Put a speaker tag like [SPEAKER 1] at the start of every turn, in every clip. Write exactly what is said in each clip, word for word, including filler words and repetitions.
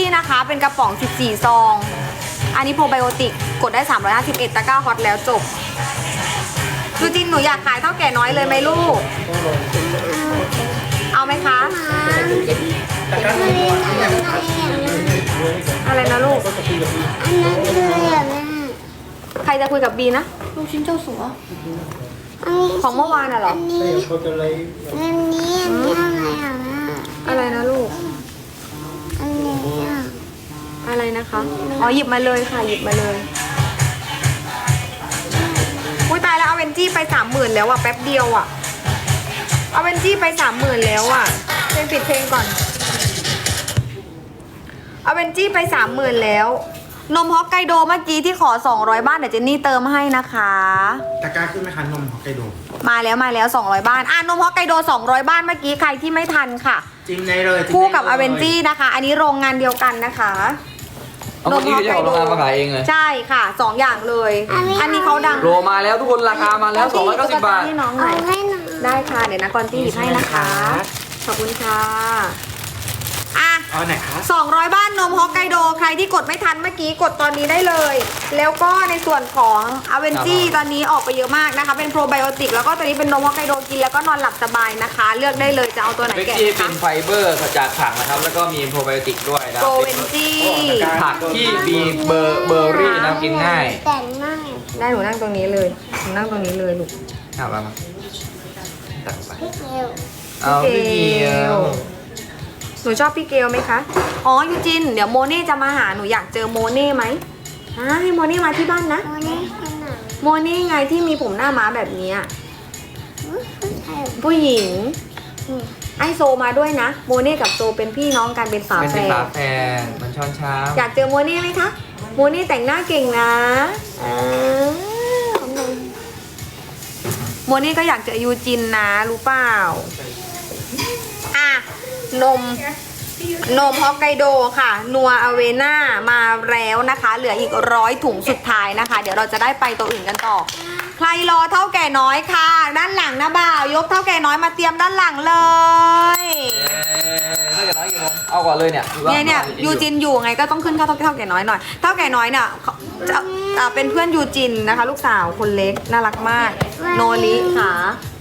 [SPEAKER 1] นะคะเป็นกระป๋องสิบสี่ซองอันนี้โปรไบโอติกกดได้สามร้อยห้าสิบเอ็ดตะกร้าฮอตแล้วจบยูจินหนูอยากขายเท่าแก่น้อยเลยไหมลูกเอาไหมคะอะไรนะลูกใครจะคุยกับบีนะลูกชิ้นเจ้าสัวของเมื่อวานน่ะเหรอ
[SPEAKER 2] อันนี้อันนี้อะไรอ่ะ
[SPEAKER 1] อะไรนะลูก
[SPEAKER 2] อันนี้อ่ะ
[SPEAKER 1] อะไรนะคะอ๋อหยิบมาเลยค่ะหยิบมาเลยอุ้ยตายแล้วเอาเวนจี้ไปสามหมื่นแล้วอ่ะแป๊บเดียวอ่ะเอาเวนจี้ไปสามหมื่นแล้วอ่ะเพลงปิดเพลงก่อนเอาเวนจี้ไปสามหมื่นแล้วนมฮอกไกโดเมื่อกี้ที่ขอสองร้อยบ้านเดี๋ยวเจนนี่เติมให้นะคะ
[SPEAKER 3] ตะกร้าขึ้นไหมคะนมฮอกไกโด
[SPEAKER 1] มาแล้วมาแล้วสองร้อยบ้านอ่ะนมฮอกไกโดสองร้อยบ้านเมื่อกี้ใครที่ไม่ทันค่ะ
[SPEAKER 3] จิ้มได้เลย
[SPEAKER 1] คู่กับอเวนจี้นะคะอันนี้โรงงานเดียวกันนะคะ
[SPEAKER 4] เอาเมื่อกี้คือเจ้าของโรงงานมาขายเองเลย
[SPEAKER 1] ใช่ค่ะสองอย่างเลยอันนี้เขาดัง
[SPEAKER 4] โลมาแล้วทุกคนราคามาแล้วสองร้อยเก้าสิบบาท
[SPEAKER 1] ให้น้องหน่อยได้ค่ะเดี๋ยวนะกอนตี้หยิบให้นะคะขอบคุณค่ะอ่ะ
[SPEAKER 3] เอาไหนคะ
[SPEAKER 1] สองร้อยบ้านนมฮอกไกโดใครที่กดไม่ทันเมื่อกี้กดตอนนี้ได้เลยแล้วก็ในส่วนของอเวนจี้ตอนนี้ออกไปเยอะมากนะคะเป็นโปรไบโอติกแล้วก็ตัวนี้เป็นนมฮอกไกโดกินแล้วก็นอนหลับสบายนะคะเลือกได้เลยจะเอาตัวไหน
[SPEAKER 4] เบก
[SPEAKER 1] แกะ
[SPEAKER 4] กี้เป็นไฟเบอร์จากผักนะครับแล้วก็มีโปรไบโอติกด้วยนะ
[SPEAKER 1] โปรเวนจี้
[SPEAKER 4] ผักที่มีเบอร์เบอร์รี่นะกินง่าย
[SPEAKER 2] แต่ง่าย
[SPEAKER 1] ได้หนูนั่งตรงนี้เลยหนูนั่งตรงนี้เลยลูก
[SPEAKER 4] เอามามาตักไป
[SPEAKER 2] พี่เกล
[SPEAKER 4] เอาพี่เกียว
[SPEAKER 1] หนูชอบพี่เกลไหมคะอ๋อยูจินเดี๋ยวโมเน่จะมาหาหนูอยากเจอโมเน่ไหมฮะให้โมเน่มาที่บ้านนะ
[SPEAKER 2] โมนี่ขนาด
[SPEAKER 1] โมเน่ไงที่มีผมหน้าม้าแบบนี้
[SPEAKER 2] ผู้ชาย
[SPEAKER 1] ผู้หญิงไอโซมาด้วยนะโมเน่กับโซเป็นพี่น้องกันเป็นฝา
[SPEAKER 4] เป็น
[SPEAKER 1] แฝ
[SPEAKER 4] สิน
[SPEAKER 1] ด
[SPEAKER 4] ค้าแฟนมันช้อนเช้า
[SPEAKER 1] อยากเจอโมเน่ไหมคะโมเน่แต่งหน้าเก่งนะอ่าโมเน่ก็อยากเจอยูจินนะรู้เปล่าอ่ะนมนมฮอกไกโดค่ะนัวอเวน่ามาแล้วนะคะเหลืออีกร้อยถุงสุดท้ายนะคะเดี๋ยวเราจะได้ไปตัวอื่นกันต่อใครรอเท่าแก่น้อยค่ะด้านหลังนะบ่าวยกเท่าแก่น้อยมาเตรียมด้านหลังเลย
[SPEAKER 4] เท่าแก่น้อยกี่โมงเอาก่อนเลยเนี่ย
[SPEAKER 1] เนี่ยเนี่ยยูจินอยู่ไงก็ต้องขึ้นเท่าเท่าแก่น้อยหน่อยเท่าแก่น้อยเนี่ยจะอ่าเป็นเพื่อนยูจินนะคะ ลูกสาวคนเล็กน่ารักมากโนริค่ะ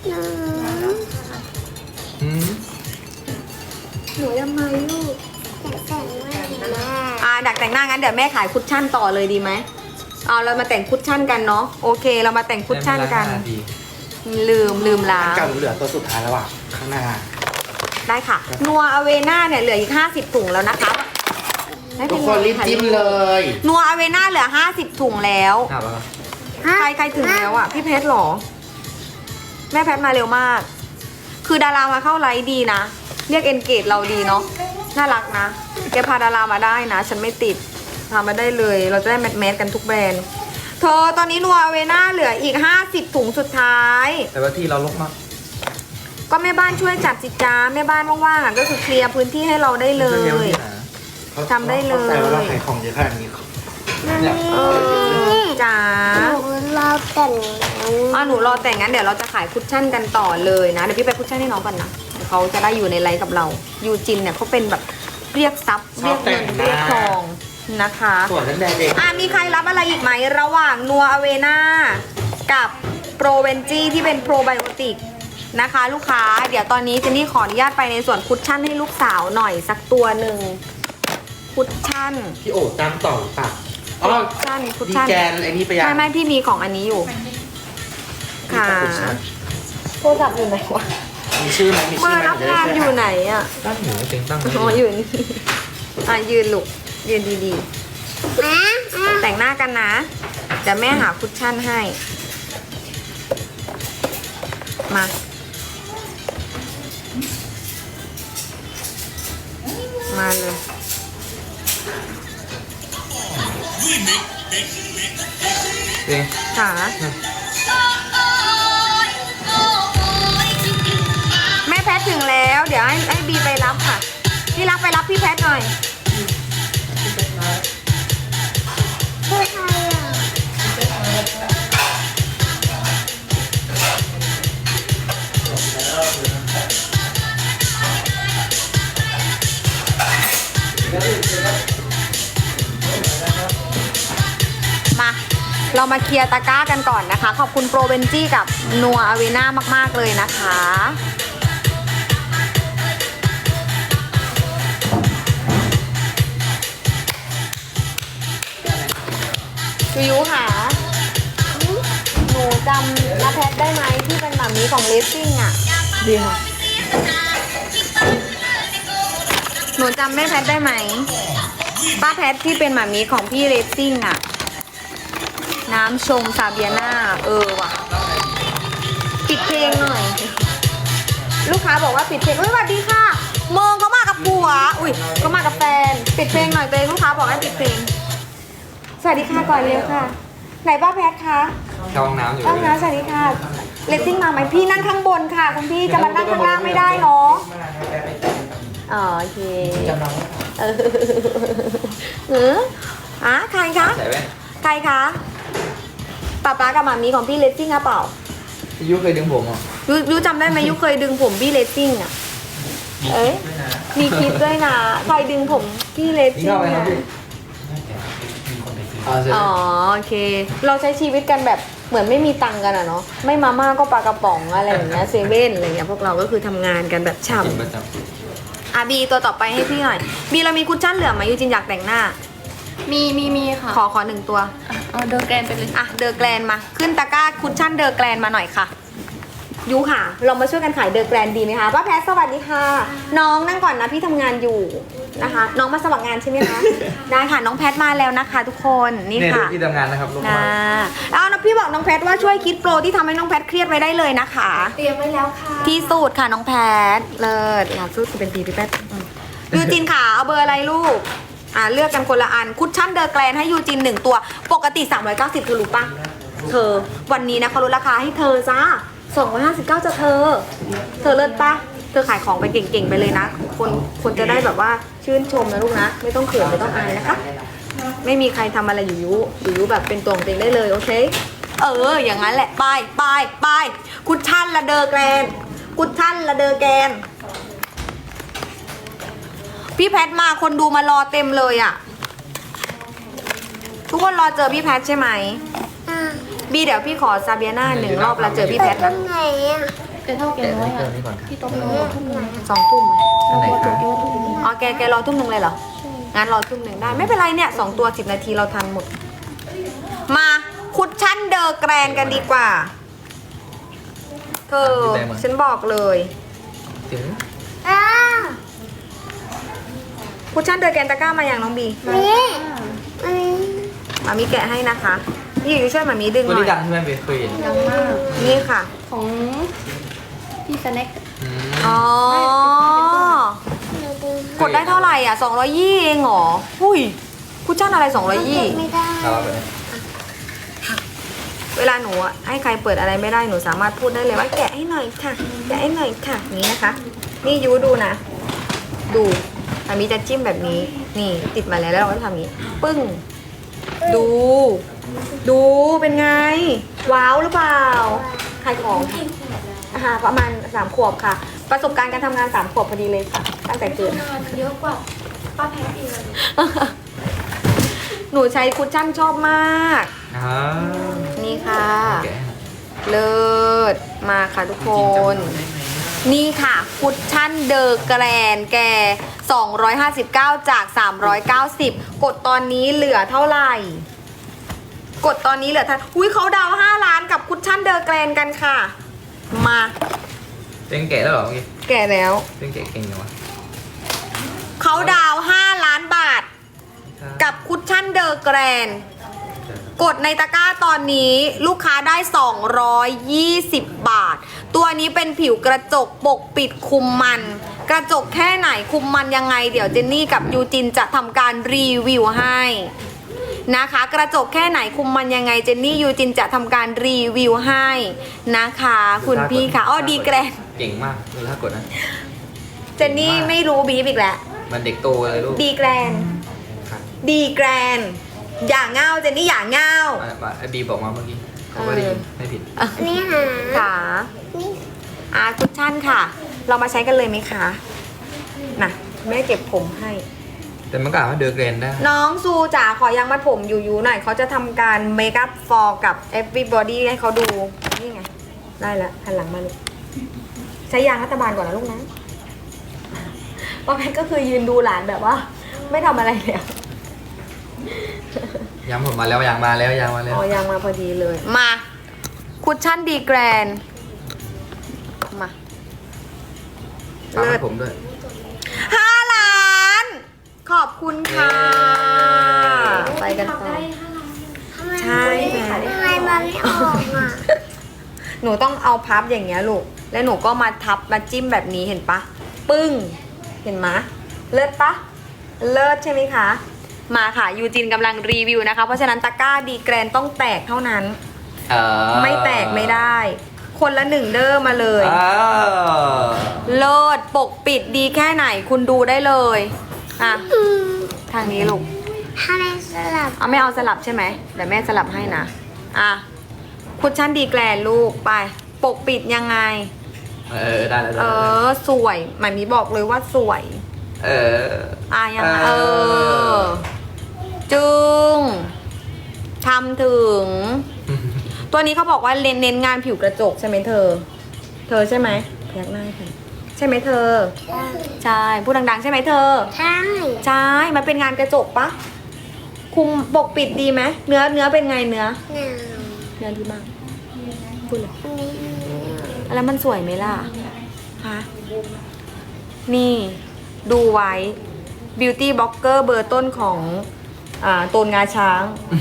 [SPEAKER 4] อืม
[SPEAKER 1] หนูยังไงลูก
[SPEAKER 2] แต่แต่งง่าย
[SPEAKER 1] อ่าดักแต่งหน้างั้นเดี๋ยวแม่ขายคุชชั่นต่อเลยดีไหมเอาเรามาแต่งคุชชั่นกันเนาะโอเคเรามาแต่งคุชชั่นกันลืมลืมล้า
[SPEAKER 3] อันเก่าเหลือตัวสุดท้ายแล้วอ่ะข้างหน้า
[SPEAKER 1] ได้ค่ะนัวอเวน่าเนี่ยเหลืออีกห้าสิบถุงแล้วนะคะ
[SPEAKER 3] ทุกคนรีบจิ้มเลย
[SPEAKER 1] นัวอเวน่าเหลือห้าสิบถุงแล้ว
[SPEAKER 4] เอาไปครับ
[SPEAKER 1] ใครใครถึงแล้วอ่ะพี่เพชรหรอแม่แพทมาเร็วมาก คือดารามาเข้าไลฟ์ดีนะเรียกเอนเกจเราดีเนาะน่ารักนะแกพาดารามาได้นะฉันไม่ติดพามาได้เลยเราจะได้แมทแมทกันทุกแบรนด์เธอตอนนี้นัวอเวน่าเหลืออีกห้าสิบถุงสุดท้าย
[SPEAKER 4] แต่ว่าที่เราลกมาก
[SPEAKER 1] ก็แม่บ้านช่วยจัดสิจ้าแม่บ้านว่างๆอ่ะก็คือเคลียร์พื้นที่ให้เราได้เลย ทำได้เลย
[SPEAKER 3] แต่ว่าเราขายของเยอะขนาดนี้
[SPEAKER 4] เนี่ย
[SPEAKER 1] เออจ้า
[SPEAKER 2] หนูรอแต่ง
[SPEAKER 1] อ่ะหนูรอแต่งงั้นเดี๋ยวเราจะขายคุชชั่นกันต่อเลยนะเดี๋ยวพี่ไปคุชชั่นให้น้องก่อนนะเดี๋ยวเขาจะได้อยู่ในไลฟ์กับเรายูจินเนี่ยเขาเป็นแบบเรียกทรัพย์เรียกเงินเรียกทองนะคะ
[SPEAKER 3] ส่วนนั้นแดงเอง
[SPEAKER 1] อ่ะมีใครรับอะไรอีกไหมระหว่างนัวอเวน่ากับโปรเวนจีที่เป็นโปรไบโอติกนะคะลูกค้าเดี๋ยวตอนนี้เจนนี่ขออนุญาตไปในส่วนคุชชั่นให้ลูกสาวหน่อยสักตัวหนึ่งคุชชั่น
[SPEAKER 3] พี่โอ๋ตามต่อหรือเปล่าอ๋อ
[SPEAKER 1] คุชชั่นคุช
[SPEAKER 3] ดี
[SPEAKER 1] ชั่น
[SPEAKER 3] แกนไอ้นี่ไปยัง
[SPEAKER 1] ไม่ไม่พี่มีของอันนี้อยู่ค่ะโทรศัพท์อยู่ไหนวะ
[SPEAKER 3] มีชื่อไหมมี
[SPEAKER 1] เบอ
[SPEAKER 3] ชื่อ
[SPEAKER 1] ร์
[SPEAKER 3] ไหม
[SPEAKER 1] รับงานอยู่ไหนอ่ะ
[SPEAKER 4] ตั้งหนูเต็งตั้ง
[SPEAKER 1] อ๋ออยู่นี่อ่ะยืนลูกยืนดี
[SPEAKER 2] นะ
[SPEAKER 1] ๆแต่งหน้ากันนะเดี๋ยวแม่หาคุชชั่นให้มามาเลย
[SPEAKER 4] เต็ง
[SPEAKER 1] ค่ะแม่แพทถึงแล้วเดี๋ยวให้ให้บีไปรับค่ะพี่รักไปรับพี่แพทหน่อย
[SPEAKER 2] ผู้ชายอ่ะ
[SPEAKER 3] แล้ว
[SPEAKER 1] เรามาเคลียร์ตะกร้ากันก่อนนะคะ ขอบคุณโปรเบนจี้กับนัวอเวน่ามากๆเลยนะคะยูยูค่ะหนูจำน้าแพทได้ไหมที่เป็นหมามีของเลสซิ่งอ่ะดีค่ะหนูจำแม่แพทได้ไหมป้าแพทที่เป็นหมามีของพี่เลสซิ่งอ่ะน้ำชงซาเบียนาเออว่ะปิดเพลงหน่อยลูกค้าบอกว่าปิดเพลงเฮ้ยสวัสดีค่ะเมืองเขามากับผัวอุ้ยเขามากับแฟนปิดเพลงหน่อยตัวเองลูกค้าบอกให้ปิดเพลงสวัสดีค่ะก่อนเร็วค่ะไหนป้าแพทคะ
[SPEAKER 4] เข้าห้องน้ำอยู่
[SPEAKER 1] ป้าแพทสวัสดีค่ะเลสซิ่งมาไหมพี่นั่งข้างบนค่ะคุณพี่จะมานั่งข้างล่างไม่ได้เนาะอ๋อโอเคเออเอออ่ะใครคะ
[SPEAKER 4] ใส่แว่น
[SPEAKER 1] ใครคะป๊าป๊ากับหมามีของพี่เลสซิ่งอะเปล่า
[SPEAKER 4] พี่ยุเคยดึงผมเหรอ
[SPEAKER 1] ยูยูจำได้ไหมยูเคยดึงผมพี่เลสซิ่งอะเอ้ยมีคลิปด้วยนะใครดึงผมพี่เลส
[SPEAKER 4] นี่
[SPEAKER 1] ซิ่ง
[SPEAKER 4] เข้าไปครับ
[SPEAKER 1] อะ
[SPEAKER 4] พี่อ๋อเสร็จ
[SPEAKER 1] อ๋อโอเค เราใช้ชีวิตกันแบบเหมือนไม่มีตังค์กันอะเนาะไม่มาม่าก็ปลากระป๋องอะไรอย่างเงี้ยเซเว่นอะไรเงี้ยพวกเราก็คือทำงานกันแบบ
[SPEAKER 4] กิน
[SPEAKER 1] ฉ่ำ
[SPEAKER 4] ประจ
[SPEAKER 1] อ่ะบีตัวต่อไปให้พี่หน่อยบีเรามีคุชชั่นเหลือไหมยูจินอยากแต่งหน้า
[SPEAKER 2] มีมีมีค่ะ
[SPEAKER 1] ขอขอหนึ่งตัว
[SPEAKER 2] เอาเดอร์แกรนไปเลย
[SPEAKER 1] อ่ะเดอร์แกลนมาขึ้นตะกร้าคุชชั่นเดอร์แกลนมาหน่อยค่ะยูค่ะ เรามาช่วยกันขายเดอร์แกลนดีไหมคะป้าแพทสวัสดีค่ะ น้องนั่งก่อนนะพี่ทำงานอยู่นะคะ น้องมาสมัครงานใช่ไหมคะ ได้ค่ะน้องแพทมาแล้วนะคะ ทุกคน
[SPEAKER 4] ำ
[SPEAKER 1] นี่
[SPEAKER 4] เนี่ย
[SPEAKER 1] ค่ะ
[SPEAKER 4] ที่ทำงานนะครับลูก
[SPEAKER 1] นะ
[SPEAKER 4] ค้า
[SPEAKER 1] แล้วน้องพี่บอกน้องแพทว่าช่วยคิดโปรที่ทำให้น้องแพทเครียดไว้ได้เลยนะคะ
[SPEAKER 2] เตรียมไว้แล้วค่ะ
[SPEAKER 1] ที่สูตรค่ะน้องแพทเลิศหลักสูตรเป็นปีพี่แพทอืมยูจินค่ะเอาเบอร์อะไรลูกอ่าเลือกกันคนละอันคุชชั่นเดอร์แกลนให้ยูจินหนึ่งตัวปกติสามร้อยเก้าสิบเธอรู้ปะเธอวันนี้นะเขาลดราคาให้เธอจ้าสองร้อยห้าสิบเก้าจะเธอ เธอเลิศปะเธอขายของไปเก่งๆไปเลยนะคนคนจะได้แบบว่าชื่นชมนะลูกนะไม่ต้องเขินไม่ต้องอายนะคะไม่มีใครทำอะไรอยู่ยุอยู่ยุแบบเป็นตัวของตัวเองได้เลยโอเคเอออย่างนั้นแหละไปไปไปคุชชั่นละเดอร์แกลนคุชชั่นละเดอร์แกลนพี่แพทมาคนดูมารอเต็มเลยอ่ะทุกคนรอเจอพี่แพทใช่ไหมบีเดี๋ยวพี่ขอซาเบียนาหนึ่งรอบแล้วเจอพี่แพทนะ
[SPEAKER 2] ไหนอ่ะเป็นเท่าแก
[SPEAKER 4] เดี๋ยว
[SPEAKER 2] น้อย
[SPEAKER 4] ให้
[SPEAKER 2] อ่ะ
[SPEAKER 4] เติมนี่ก่อนค่ะ
[SPEAKER 2] ที่โต๊ะน้อยทุ่มไหน
[SPEAKER 1] สองทุ่ม
[SPEAKER 4] อันไหนคะ
[SPEAKER 1] อ๋อแกแกรอทุ่มหนึ่งเลยเหรองั้นรอทุ่มหนึ่งได้ไม่เป็นไรเนี่ยสองตัวสิบนาทีเราทันหมด มาคุชชั่นเดอร์แกรนกันดีกว่าเธอฉันบอกเลย
[SPEAKER 4] ถึง
[SPEAKER 2] อ้า
[SPEAKER 1] คุชชั่นเดอร์แกรนตะกร้ามาอย่างน้องบี
[SPEAKER 2] นี่อันนี้
[SPEAKER 1] มามีแกะให้นะคะพี่อยู่ช่วยมามีดึงห
[SPEAKER 4] วัน
[SPEAKER 1] น่อ
[SPEAKER 4] นี้
[SPEAKER 1] ย
[SPEAKER 4] ดังใช่ไหมเบเคยเห็น
[SPEAKER 2] ดังมาก
[SPEAKER 1] นี่ค่ะ
[SPEAKER 2] ของพี่สแน็ค
[SPEAKER 4] อืม
[SPEAKER 1] อ๋อ กดได้เท่าไหร่อ่ะสองร้อยยี่เองเหรอหุ้ยคุชชั่นอะไรสองร้อยยี่
[SPEAKER 2] ไม่ได้
[SPEAKER 4] เราเอาไปเลย
[SPEAKER 1] เวลาหนูอะให้ใครเปิดอะไรไม่ได้หนูสามารถพูดได้เลยว่าแกะให้หน่อยค่ะแกะให้หน่อยค่ะอย่างนี้นะคะ นี่ยูดูนะ ดูอันนี้จะจิ้มแบบนี้ นี่ติดมาแล้วแล้วเราก็ทำอย่างนี้ ปึ้ง ดู ดูเป็นไง ว้าวหรือเปล่าใครของอาหารประมาณสามขวบค่ะ ประสบการณ์การทำงานสามขวบพอดีเลยค่ะ ตั้งแต่เกิด
[SPEAKER 2] เยอะกว่าป้าแพทอีกเลย
[SPEAKER 1] หนูใช้คุชชั่นชอบมาก
[SPEAKER 4] อ่า
[SPEAKER 1] นี่ค่ะ
[SPEAKER 4] แกะ
[SPEAKER 1] เลิศมาค่ะทุกคน นี่ค่ะคุชชั่นเดอร์แกรนแกสองร้อยห้าสิบเก้าจากสามร้อยเก้าสิบกดตอนนี้เหลือเท่าไหร่ กดตอนนี้เหลือเท่าอุ้ยเขาดาวห้าล้านกับคุชชั่นเดอร์แกรนกันค่ะ มา
[SPEAKER 4] เต็งแกะแล้วเหรอเมื่อกี้
[SPEAKER 1] แก่แล้ว
[SPEAKER 4] เต็งแกะเก่งจังวะ
[SPEAKER 1] เขาดาวห้าล้านบาท กับคุชชั่นเดอร์แกรนกดในตะกร้าตอนนี้ลูกค้าได้สองร้อยยี่สิบบาท ตัวนี้เป็นผิวกระจกปกปิดคุมมัน กระจกแค่ไหนคุมมันยังไง เดี๋ยวเจนนี่กับยูจินจะทำการรีวิวให้นะคะ กระจกแค่ไหนคุมมันยังไงเจนนี่ยูจินจะทำการรีวิวให้นะคะ คุณพี่ค่ะอ้อดีแกรน
[SPEAKER 4] เก่งมากดูท่ากดนะ
[SPEAKER 1] เจนนี่ไม่รู้บีบอีกแล้ว
[SPEAKER 4] มันเด็กโตเลยลูก
[SPEAKER 1] ดีแกรน
[SPEAKER 4] ครับ
[SPEAKER 1] ดีแกรนอย่างเง่าเจนนี่อย่างเง่า
[SPEAKER 4] อ่ะอ่ะไอบีบอกมาเมื่อกี้เขาก็ได้ยินไม่ผิด
[SPEAKER 2] อันนี้หา
[SPEAKER 1] ค่ะ
[SPEAKER 2] นี่
[SPEAKER 1] อาคุชชั่นค่ะ เรามาใช้กันเลยไหมคะ น่ะแม่เก็บผมให้
[SPEAKER 4] แต่มันก็อาจว่าเดอะเกรนได้
[SPEAKER 1] น้องซูจ๋าขอยังมัดผมอยู่ยูหน่อยเขาจะทำการเมคอัพฟอร์กับ everybody ให้เขาดู นี่ไง ได้แล้วหันหลังมาลูกใช้ยางรัฐบาลก่อนนะลูกนะป้าแพทก็คือยืนดูหลานแบบว่า ไม่ทำอะไรเลย
[SPEAKER 4] ยังผมมาแล้วยังมาแล้วยังมาแล้ว
[SPEAKER 1] อ๋อยางมาพอดีเลย มาคุชชั่นดีแกรนมา
[SPEAKER 4] ตาม
[SPEAKER 1] เลิ
[SPEAKER 4] ให้
[SPEAKER 1] ศ
[SPEAKER 4] ผมด้วย
[SPEAKER 1] ห้าล้าน ขอบคุณค่ะ ไปกันต่อ ใช่ไหม
[SPEAKER 2] ทำไมมันไม่ออกอ่ะ
[SPEAKER 1] หนูต้องเอาพับอย่างเงี้ยลูก แล้วหนูก็มาทับมาจิ้มแบบนี้เห็นปะ ปึ้ง เห็นไหมเลิศปะ เลิศใช่ไหมคะ มาค่ะ ยูจินกำลังรีวิวนะคะ เพราะฉะนั้นตะกร้าดีแกรนต้องแตกเท่านั้น
[SPEAKER 4] เออ
[SPEAKER 1] ไม่แตกไม่ได้ คนละหนึ่งเด้อมาเลย
[SPEAKER 4] อ่า
[SPEAKER 1] เลิศปกปิดดีแค่ไหนคุณดูได้เลย อ่ะ ทางนี้ลูก
[SPEAKER 2] ทำไมสลับ
[SPEAKER 1] เอาไม่เอาสลับใช่ไหมเดี๋ยวแม่สลับให้นะ อ่ะ คุชชั่นดีแกรนลูกไป ปกปิดยังไง
[SPEAKER 4] เออได้แล้วได้
[SPEAKER 1] เอ
[SPEAKER 4] แล้ว
[SPEAKER 1] อ สวยหมายมีบอกเลยว่าสวย
[SPEAKER 4] เออ
[SPEAKER 1] อ่ะยังไง
[SPEAKER 4] เอ
[SPEAKER 1] เอ
[SPEAKER 4] อ
[SPEAKER 1] อ จึงทำถึง ตัวนี้เขาบอกว่าเน้นเน้นงานผิวกระจกใช่ไหมเธอ เธอใช่ไหมพยักหน้าให้ใครใช่ไหมเธอ ใช่ พูดดังๆ ใช่ไหมเธอ
[SPEAKER 2] ใช่
[SPEAKER 1] ใช่ มันเป็นงานกระจกปะ คุมปกปิดดีไหม เนื้อเนื้อเป็นไงเนื้อ
[SPEAKER 2] หนาว
[SPEAKER 1] เนื้อดีมาก พูดเลย
[SPEAKER 2] อันนี้
[SPEAKER 1] แล้วมันสวยไหมล่ะ ฮะ นี่ ดูไว้ Beauty Blogger เบอร์ต้นของ อ่าตูนงาช้าง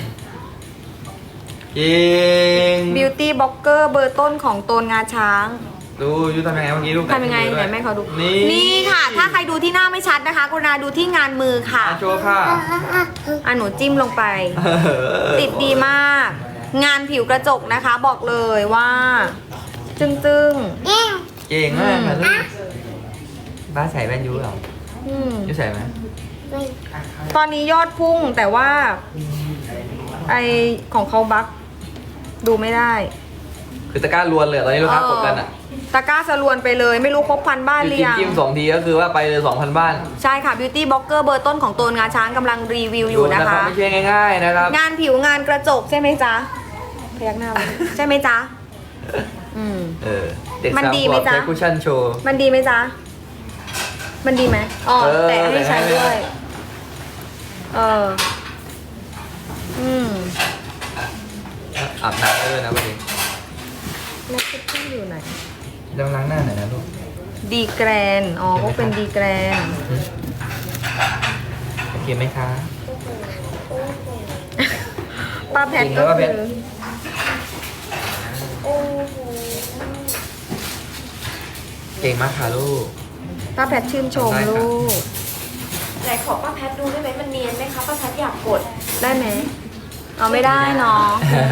[SPEAKER 4] จริง
[SPEAKER 1] Beauty Blogger เบอร์ต้นของตูนงาช้าง
[SPEAKER 4] ดูยูทำยังไงเมื่อกี้ลูก
[SPEAKER 1] ทำยังไงไหนแม่เขาดู
[SPEAKER 4] นี่
[SPEAKER 1] นี่ค่ะ ถ้าใครดูที่หน้าไม่ชัดนะคะกรุณาดูที่งานมือค่ะ
[SPEAKER 4] อ่ะโชว์ค่ะ
[SPEAKER 1] อ่ะหนูจิ้มลงไป ติดดีมาก งานผิวกระจกนะคะ บอกเลยว่า จึ้งจึง
[SPEAKER 2] เอ๊ะ
[SPEAKER 4] เก่งมากค่ะลูกบ้าใส่แว่นยูเหรอ
[SPEAKER 1] ๆอืม
[SPEAKER 4] ยูใส่ไหม
[SPEAKER 2] ไม่
[SPEAKER 1] ตอนนี้ยอดพุ่งแต่ว่า ไอของเขาบักดูไม่ได้
[SPEAKER 4] คือตะกร้าล้วนเลยตอนนี้ลูกค้ากดกันอ่ะ
[SPEAKER 1] ตะกร้าสรวนไปเลย ไม่รู้ครบพันบ้านหรือยัง
[SPEAKER 4] จิ้มสองทีก็คือว่าไปเลยสองพันบ้าน
[SPEAKER 1] ใช่ค่ะ Beauty Blogger เบอร์ต้นของโตนงาช้างกำลังรีวิวอยู่นะคะ
[SPEAKER 4] ไม่ใช่ง่ายๆนะครับ
[SPEAKER 1] งานผิวงานกระจกใช่ไหมจ๊ะ พยักหน้าไว้ใช่ไหมจ๊ะ อืม
[SPEAKER 4] เออเด็ก
[SPEAKER 1] มัน
[SPEAKER 4] สาม
[SPEAKER 1] ดี
[SPEAKER 4] ข
[SPEAKER 1] ไหม
[SPEAKER 4] วบ
[SPEAKER 1] จ๊ะ
[SPEAKER 4] ใช้คุชชั่นโชว์
[SPEAKER 1] มันดีไหมจ๊ะ มันดีไหมอ๋อ
[SPEAKER 4] เออ
[SPEAKER 1] แต่ให้ใช้
[SPEAKER 4] แต่ให้
[SPEAKER 1] ด้วย เออ อืม
[SPEAKER 4] อาบน้ำได้ด้วยนะประเด็น
[SPEAKER 1] แล้วคุชชั่นอยู่ไหน
[SPEAKER 4] ต้องล้างหน้าหน่อยนะลูก
[SPEAKER 1] ดีแกรน อ๋อเขาเป็นดีแกรน
[SPEAKER 4] โอเคไหมคะ
[SPEAKER 1] ป้าแพท
[SPEAKER 4] จริง
[SPEAKER 1] ก็
[SPEAKER 4] แล้วป้าแพ
[SPEAKER 1] คื
[SPEAKER 4] ท
[SPEAKER 1] อ
[SPEAKER 4] เก่งมากค่ะลูก
[SPEAKER 1] ป้าแพทชื่นชม
[SPEAKER 4] ได้ค่ะ
[SPEAKER 1] ลูก
[SPEAKER 5] ไหนขอป้าแพทดูได้ไหมมันเนียนไหมคะป้าแพทอยากกด
[SPEAKER 1] ได้ไหม เอาไม่ได้เนาะ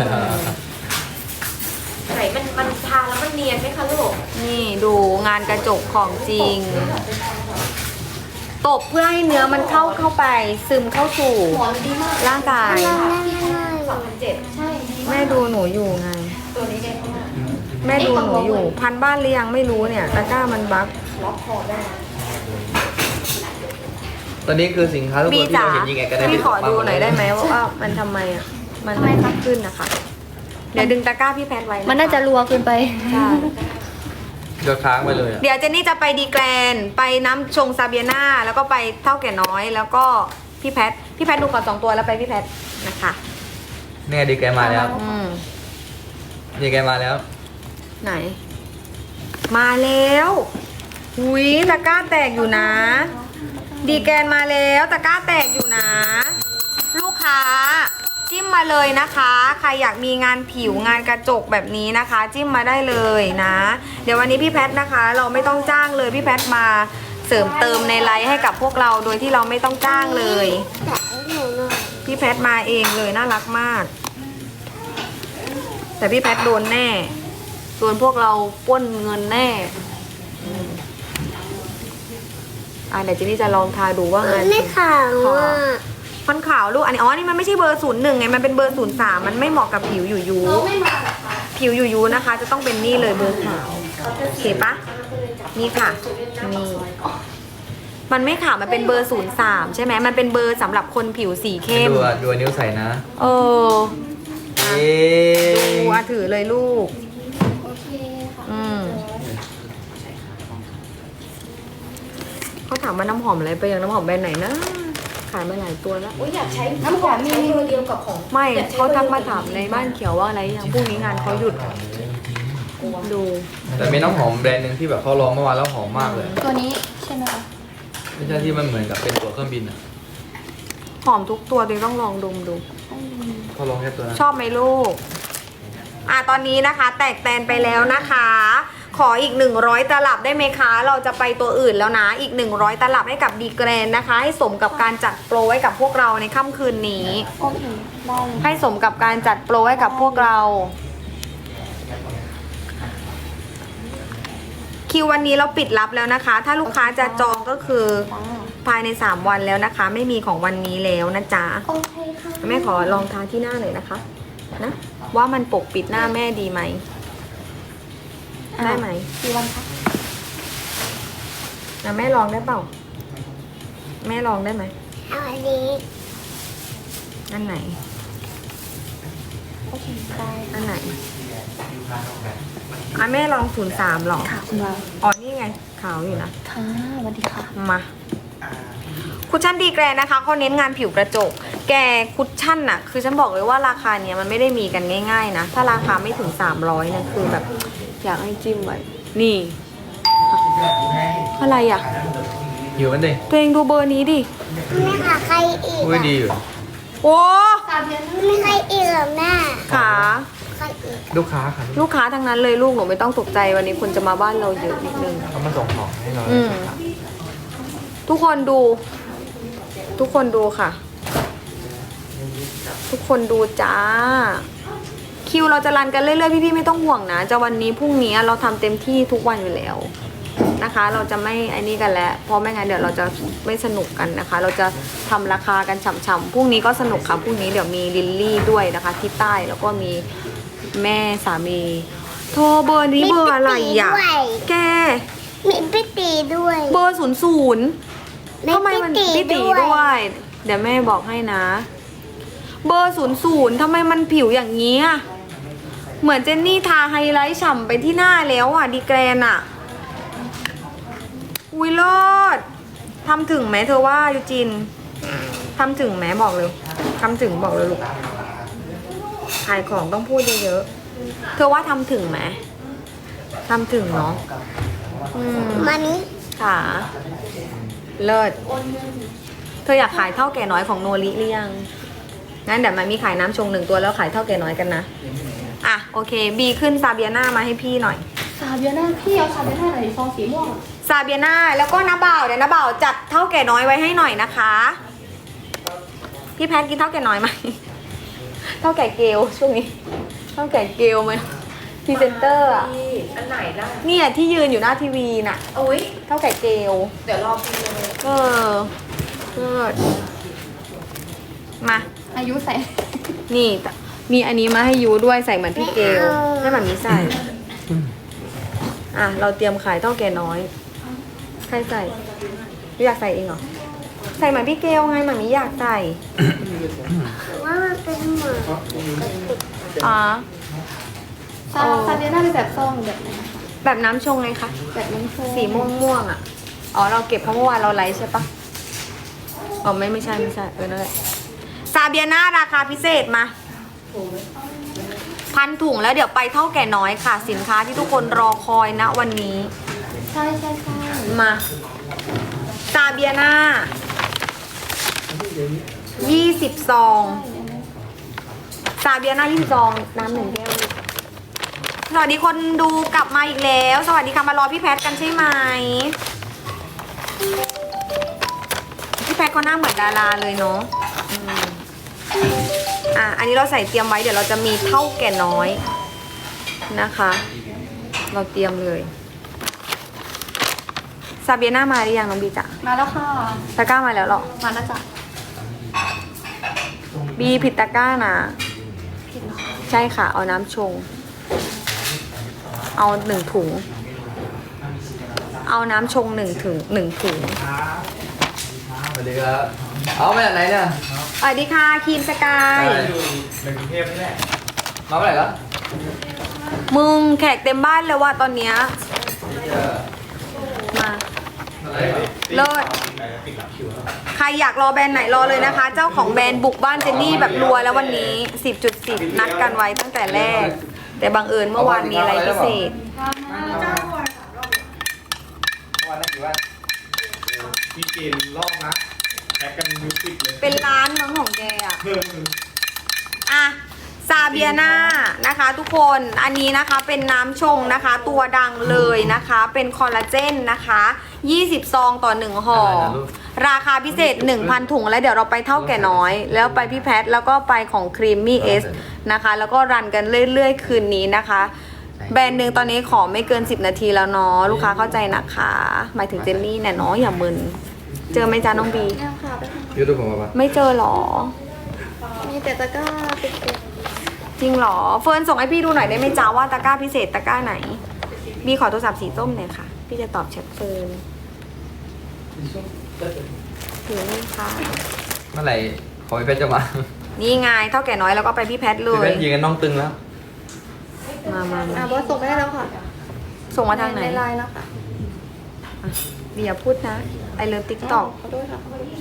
[SPEAKER 5] ไหนมันมันทาแล้วมันเนียนไหมคะลูก
[SPEAKER 1] นี่ดูงานกระจกของจริง ตบเพื่อให้เนื้อมันเข้าเข้าไป ซึมเข้าสู่ร่างกาย
[SPEAKER 5] สองพันเจ็ดใช่
[SPEAKER 1] แม่ดูหนูอยู่ไง
[SPEAKER 5] ตัวนี้เนี่ย
[SPEAKER 1] แม่ดูหนูอยู่ พันบ้านหรือยังไม่รู้เนี่ยตะกร้ามันบั๊ก
[SPEAKER 5] ล็อกคอได้
[SPEAKER 4] ตอนนี้คือสินค้าทุก
[SPEAKER 1] บี
[SPEAKER 4] ตัวที่
[SPEAKER 1] จ๋า
[SPEAKER 4] เราเห็นยิงแอดกันได้
[SPEAKER 1] พี่ขอดูหน่อยได้ไหมว่ามันทำไมอ่ะ มันไม่ค่อยขึ้นนะคะ เดี๋ยวดึงตะกร้าพี่แพทไว้ค
[SPEAKER 2] มันน่าจะรัวเกินไป
[SPEAKER 1] ใช่
[SPEAKER 4] ยอดค้างไปเลยอะ
[SPEAKER 1] เดี๋ยวเจนนี่จะไปดีแกรน ไปน้ำชงซาเบียนาแล้วก็ไปเท่าแก่น้อย แล้วก็พี่แพท พี่แพทดูก่อนสองตัวแล้วไปพี่แพทนะคะ
[SPEAKER 4] เนี่ยดีแกมาแล้ว
[SPEAKER 1] อืม
[SPEAKER 4] ดีแกมาแล้ว
[SPEAKER 1] ไหน มาแล้วหุยตะกร้าแตกอยู่นะ ดีแกนมาแล้วตะกร้าแตกอยู่นะ ลูกค้า จิ้มมาเลยนะคะ ใครอยากมีงานผิวงานกระจกแบบนี้นะคะ จิ้มมาได้เลยนะ เดี๋ยววันนี้พี่แพทนะคะ เราไม่ต้องจ้างเลยพี่แพทมาเสริมเติมในไลฟ์ให้กับพวกเราโดยที่เราไม่ต้องจ้างเลย
[SPEAKER 2] แต่ให้หนูหน่อย
[SPEAKER 1] พี่แพทมาเองเลยน่ารักมาก แต่พี่แพทโดนแน่ส่วนพวกเราปล้นเงินแน่อืมอ่ะเดี๋ยวเจนนี่จะลองทาดูว่างาน
[SPEAKER 2] ไม่ขาวอ่ะ
[SPEAKER 1] มันขาวลูกอันนี้อ๋อนี่มันไม่ใช่เบอร์ศูนย์หนึ่งไงมันเป็นเบอร์ศูนย์สามมันไม่เหมาะกับผิวอยู่ยูผิวอยู่ยูนะคะ จะต้องเป็นนี่เลยเบอร์ขาวโอเคปะนี่ค่ะนี่มันไม่ขาวมันเป็นเบอร์ศูนย์สามใช่ไหมมันเป็นเบอร์สำหรับคนผิวสีเข้ม
[SPEAKER 4] ดูอ่ะดูนิ้วใส่นะ
[SPEAKER 1] เออ
[SPEAKER 4] เอ๊
[SPEAKER 1] ดู
[SPEAKER 4] ะ
[SPEAKER 1] อ่ะถือเลยลูก
[SPEAKER 2] โอเคค่ะ
[SPEAKER 1] อืมเขาถามว่าน้ำหอมอะไรไปยังน้ำหอมแบรนด์ไหนนะ ขายมาหลายตัวแล้ว
[SPEAKER 5] อุ้ยอยากใช้น้ำหอมมีเบอร์เดียวกับของ
[SPEAKER 1] ไม่
[SPEAKER 5] อยใช้
[SPEAKER 1] เขาทักมา
[SPEAKER 5] บอร์ดียว
[SPEAKER 1] ถามในบ้านเขียวว่าอะไรอย่างพรุ่งนี้งานเขาหยุดดู
[SPEAKER 4] แต่มีน้ำหอมแบรนด์หนึ่งที่แบบเขาลองเมื่อวานแล้วหอมมากเลย
[SPEAKER 2] ตัวนี้ใช่ไหมคะ
[SPEAKER 4] ไม่ใช่ที่มันเหมือนกับเป็นตัวเครื่องบินอ่ะ
[SPEAKER 1] หอมทุกตัวเลยต้องลองดมดู
[SPEAKER 4] เขาลองแค่ตัวนั้น
[SPEAKER 1] ชอบไหมลูก อ่ะตอนนี้นะคะ แตกแตนไปแล้วนะคะ ขออีกหนึ่งร้อยตลับได้ไหมคะ เราจะไปตัวอื่นแล้วนะ อีกหนึ่งร้อยตลับให้กับดีแกรนนะคะ ให้สมกับการจัดโปรไว้กับพวกเราในค่ำคืนนี้
[SPEAKER 2] โอเคได้เลย
[SPEAKER 1] ให้สมกับการจัดโปรให้กับพวกเรา คิววันนี้เราปิดรับแล้วนะคะ ถ้าลูกค้าจะจองก็คือภายในสามวันแล้วนะคะ ไม่มีของวันนี้แล้วนะจ๊ะ
[SPEAKER 2] โอเคค่ะ
[SPEAKER 1] แม่ขอลองทาที่หน้าเลยนะคะ นะ ว่ามันปกปิดหน้าแม่ดีไหม ได้ไหม
[SPEAKER 2] กี่วันคะ
[SPEAKER 1] นะแม่ลองได้เปล่า แม่ลองได้ไหม
[SPEAKER 2] เอาอันนี้
[SPEAKER 1] อันไหน
[SPEAKER 2] โอเคได้
[SPEAKER 1] อันไหนอ่ะแม่ลองศูนย์สามหรอ
[SPEAKER 2] ค่ะคุณวาว
[SPEAKER 1] อ๋อนี่ไงขาวอยู่นะ
[SPEAKER 2] ค่ะสวัสดีค่ะ
[SPEAKER 1] มาคุชชั่นดีแกรนนะคะเขาเน้นงานผิวกระจก แกคุชชั่นน่ะ คือฉันบอกเลยว่าราคาเนี้ยมันไม่ได้มีกันง่ายๆนะ ถ้าราคาไม่ถึงสามร้อยเนี่ยคือแบบอยากให้จิ้มไว้นี่ อะไรอ่ะ
[SPEAKER 4] อยู่กันดิ
[SPEAKER 1] ตัวเองดูเบอร์นี้ดิ
[SPEAKER 2] ไม่ค่ะใครอีก
[SPEAKER 4] อุ้ยดีอยู่
[SPEAKER 1] โอ้
[SPEAKER 2] ไม่ใครอีกเหรอแม่
[SPEAKER 1] ขา
[SPEAKER 2] ใครอีก
[SPEAKER 4] ลูกค้าค่ะ
[SPEAKER 1] ลูกค้าทั้งนั้นเลยลูกหนูไม่ต้องตกใจวันนี้คนจะมาบ้านเราเยอะนิดนึง
[SPEAKER 4] เขามาส่งของให้เรา
[SPEAKER 1] อืม ทุกคนดู ทุกคนดูค่ะ ทุกคนดูจ้า คิวเราจะรันกันเรื่อยๆพี่ๆไม่ต้องห่วงนะจะวันนี้พรุ่งนี้เราทำเต็มที่ทุกวันอยู่แล้วนะคะ เราจะไม่ไอ้นี่กันแล้วเพราะไม่งั้นเดี๋ยวเราจะไม่สนุกกันนะคะ เราจะทำราคากันฉ่ำๆพรุ่งนี้ก็สนุกค่ะพรุ่งนี้เดี๋ยวมีลิลลี่ด้วยนะคะ ที่ใต้แล้วก็มีแม่สามีโทรเบอร์นี้เบอร์อะไรอ่ะ
[SPEAKER 2] มีพี่ตีด้วย
[SPEAKER 1] แก
[SPEAKER 2] มีพี่ตีด้วย
[SPEAKER 1] เบอร์ศูนย์ศูนย์
[SPEAKER 2] มี
[SPEAKER 1] ทำไมมัน
[SPEAKER 2] พี่
[SPEAKER 1] พี่
[SPEAKER 2] ตี
[SPEAKER 1] ตี
[SPEAKER 2] ด้วย
[SPEAKER 1] ด้วย เดี๋ยวแม่บอกให้นะ เบอร์ศูนย์ศูนย์ทำไมมันผิวอย่างนี้อะเหมือนเจนนี่ทาไฮไลท์ฉ่ำไปที่หน้าแล้วอ่ะดีแกรนอ่ะอุ้ยเลิศทำถึงไหมเธอว่ายูจินทำถึงไหมบอกเลยทำถึงบอกเลยลูกขายของต้องพูดเยอะๆเธอว่าทำถึงไหมทำถึงเนาะอืม
[SPEAKER 2] มานี้
[SPEAKER 1] ค่ะเลิศเธออยากขายเท่าแก่น้อยของโนริหรือยังงั้นเดี๋ยวมันมีขายน้ำชงหนึ่งตัวแล้วขายเท่าแก่น้อยกันนะอ่ะโอเคบีขึ้นซาเบียนามาให้พี่หน่อย
[SPEAKER 2] ซาเบียน่าพี่เอาซาเบียน่าไหนซองสีม่วง
[SPEAKER 1] ซาเบียนาแล้วก็น้าบ่าวเดี๋ยวน้าบ่าวจัดเท่าแก่น้อยไว้ให้หน่อยนะคะพี่แพทกินเท่าแก่น้อยไหมเท่าแก่เกลช่วงนี้เท่าแก่เกลไหมพรีเซนเตอร์อะ
[SPEAKER 5] พี่อันไหนล่ะ
[SPEAKER 1] เนี่ยที่ยืนอยู่หน้าทีวีน่ะ
[SPEAKER 5] อุ้ย
[SPEAKER 1] เท่าแก่เกล
[SPEAKER 5] เดี๋ยวรอพี่เลย
[SPEAKER 1] เออเลิศมา
[SPEAKER 2] อายุใส่
[SPEAKER 1] นี่มีอันนี้มาให้ยูด้วยใส่เหมือนพี่เกลให้แบบนี้ใส่ อ่ะ เราเตรียมขายเท่าแก่น้อย ใครใส่ยูอยากใส่เองเหรอ ใส่เหมือนพี่เกลไงเหมือนมีอยากใส่
[SPEAKER 2] ว่ามันเป็นเหมือน
[SPEAKER 1] อ๋อ
[SPEAKER 2] ซาซาเบียน่าเป็นแบบซองแบบไหน
[SPEAKER 1] แบบน้ำชงไงคะ
[SPEAKER 2] แบบน้ำโช
[SPEAKER 1] สีม่วงม่วงๆอ่ะ อ๋อ เราเก็บเพราะเมื่อวานเราไลฟ์ใช่ปะอ๋อ ไม่ไม่ใช่ไม่ใช่เออนั่นแหละซาเบียนาราคาพิเศษมา พันถุงแล้วเดี๋ยวไปเท่าแก่น้อยค่ะ สินค้าที่ทุกคนรอคอยนะวันนี้
[SPEAKER 2] ใช่ใช่ใช่
[SPEAKER 1] มาซาเบียนายี่สิบซองซาเบียนายี่สิบซองน้ำหนึ่งแก้วสวัสดีคนดูกลับมาอีกแล้ว สวัสดีค่ะมารอพี่แพทกันใช่ไหมพี่แพทก็หน้าเหมือนดาราเลยเนาะอืมอ่ะอันนี้เราใส่เตรียมไว้เดี๋ยวเราจะมีเท่าแก่น้อยนะคะ เราเตรียมเลยซาเบียนามาหรือยังน้องบีจ๋า
[SPEAKER 2] มาแล้วค่ะ
[SPEAKER 1] ตะกร้ามาแล้วเหรอ
[SPEAKER 2] มาแล้วจ้ะ
[SPEAKER 1] บีผิดตะกร้านะ ใช่ค่ะ เอาน้ำชง เอาหนึ่งถุง เอาน้ำชงหนึ่งถุงหนึ่งถุง
[SPEAKER 4] สวัสดีครับเอามาจากไหนเนี่ย
[SPEAKER 1] สวัสดีค่ะครีมสกาย
[SPEAKER 4] ในกรุงเทพนี่แหละมาเมื่อไหร่แล้ว
[SPEAKER 1] มึงแขกเต็มบ้านเลยว่ะตอนเนี้ยมาเลิศใครอยากรอแบรนด์ไหนรอเลยนะคะ เจ้าของแบรนด์บุกบ้านเจนนี่แบบรัวแล้ววันนี้ สิบจุดสิบ นัดกันไว้ตั้งแต่แรก แต่บังเอิญเมื่อวานมีอะไรพิเศษ
[SPEAKER 4] วันนั้นกี่วัน
[SPEAKER 6] พี่เกณฑ์รอบนะแพ็กกันมิวสิกเลย
[SPEAKER 1] เป็นร้านมั้งของแกอ่ะ อ่ะซาเบียนานะคะทุกคนอันนี้นะคะเป็นน้ำชงนะคะ ตัวดังเลยนะคะ เป็นคอลลาเจนนะคะยี่สิบซองต่อหนึ่งห่อราคาพิเศษ หนึ่งพัน ถุงแล้วเดี๋ยวเราไปเท่าแก่น้อย แล้วไปพี่แพทแล้วก็ไปของครีมมี่เอสนะคะแล้วก็รันกันเรื่อยๆคืนนี้นะคะ แบรนด์หนึ่งตอนนี้ขอไม่เกินสิบนาทีแล้วเนาะลูกค้าเข้าใจนะคะหมายถึงเจนนี่เนี่ยเนาะอย่ามึนเจอไหมจ้าน้องบี
[SPEAKER 2] แล้วค่ะ
[SPEAKER 4] ยูทูบผมมาปะ
[SPEAKER 1] ไม่เจอหรอ
[SPEAKER 2] มีแต่ตะกร้าเป็นเต็ม
[SPEAKER 1] จริงเหรอเฟิร์นส่งให้พี่ดูหน่อยได้ไหมจ้าว่าตะกร้าพิเศษตะกร้าไหนบีขอโทรศัพท์สีส้มหน่อยค่ะ พี่จะตอบแชทเฟิร์นถือนี่ค่ะ
[SPEAKER 4] เมื่อไหร่ขอพี่เพชรจะมา
[SPEAKER 1] นี่ไงเท่าแก่น้อยแล้วก็ไปพี่แพทเล
[SPEAKER 4] พี่เพ
[SPEAKER 1] ย
[SPEAKER 4] ชรยืนกันน้องตึงแล้ว
[SPEAKER 1] มามา
[SPEAKER 2] อ่ะ
[SPEAKER 1] มา
[SPEAKER 2] บอสส่งไปให้แล้วค่ะ
[SPEAKER 1] ส่งมาทางไหน
[SPEAKER 2] ในไลน์นะคะ
[SPEAKER 1] บีอย่าพูดนะไอเลิฟติ๊กต็อก
[SPEAKER 2] ขอโทษค่ะ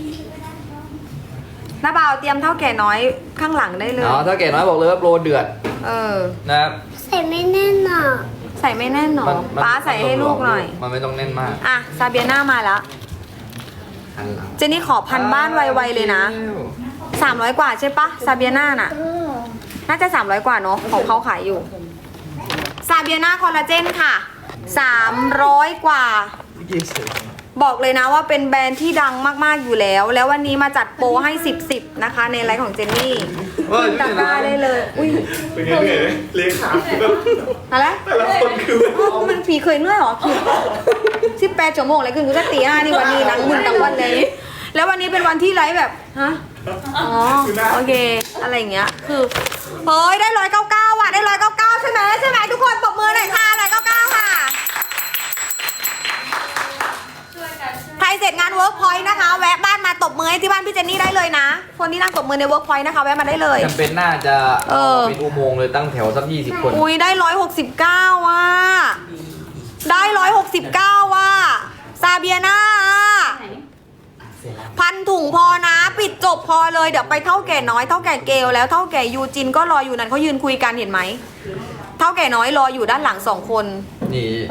[SPEAKER 1] น้าบ่าวเตรียมเท่าแก่น้อยข้างหลังได้เลย
[SPEAKER 4] เนาะถ้าเก๋น้อยบอกเลยว่าโปรเดือด
[SPEAKER 1] เออ
[SPEAKER 4] นะครับ
[SPEAKER 2] ใส่ไม่แน่นอ่ะ
[SPEAKER 1] ใส่ไม่แน่นหรอ
[SPEAKER 4] มันมัน
[SPEAKER 1] ป้าใส่ให้ลูกหน่อย
[SPEAKER 4] มันไม่ต้องแน่นมาก
[SPEAKER 1] อ่ะซาเบียนามาแล้ว
[SPEAKER 4] หันหลัง
[SPEAKER 1] เจนนี่ขอพันบ้านไวๆเลยนะสามร้อยกว่าใช่ปะซาเบียนาน่ะ
[SPEAKER 2] เออ
[SPEAKER 1] น่าจะสามร้อยกว่าเนาะของเขาขายอยู่ซาเบียนาคอลลาเจนค่ะสามร้อยกว่า บอกเลยนะว่าเป็นแบรนด์ที่ดังมากๆอยู่แล้ว แล้ววันนี้มาจัดโปรให้สิบ สิบนะคะ ในไลฟ์ของเจนนี่
[SPEAKER 4] เฮ้ย
[SPEAKER 1] ตะกร้าได้เลย อุ้ย
[SPEAKER 6] เป็นไงเหนื่อยไหมเลขาคือแบบ
[SPEAKER 1] อะไร
[SPEAKER 6] แต่ละคนคือแบบ
[SPEAKER 1] อ๋อมันผีเคยเหนื่อยเหรอผีสิบแปดชั่วโมงเลยคือกูจะตีห้านี่วันนี้นังมึนทั้งวันเลย แล้ววันนี้เป็นวันที่ไลฟ์แบบฮะอ๋อโอเคอะไรอย่างเงี้ยคือเฮ้ยได้ร้อยเก้าเก้าว่ะได้ร้อยเก้าเก้าใช่ไหมใช่ไหมทุกคนปรบมือหน่อยค่ะร้อยเก้าเก้าค่ะใครเสร็จงานเวิร์กพอยต์นะคะ แวะบ้านมาตบมือให้ที่บ้านพี่เจนนี่ได้เลยนะ คนที่นั่งตบมือในเวิร์กพอยต์นะคะแวะมาได้เลย
[SPEAKER 4] จำเป็นน่าจะ
[SPEAKER 1] เออ
[SPEAKER 4] เป็นอุโมงค์เลยตั้งแถวสักยี่สิบคน
[SPEAKER 1] อุ้ยได้ร้อยหกสิบเก้าว่ะได้ร้อยหกสิบเก้าว่ะซาเบียนาพันถุงพอนะปิดจบพอเลยเดี๋ยวไปเท่าแก่น้อยเท่าแก่เกลแล้วเท่าแก่ยูจินก็รออยู่นั่นเขายืนคุยกันเห็นไหมเท่าแก่น้อยรออยู่ด้านหลังสองคน
[SPEAKER 4] นี่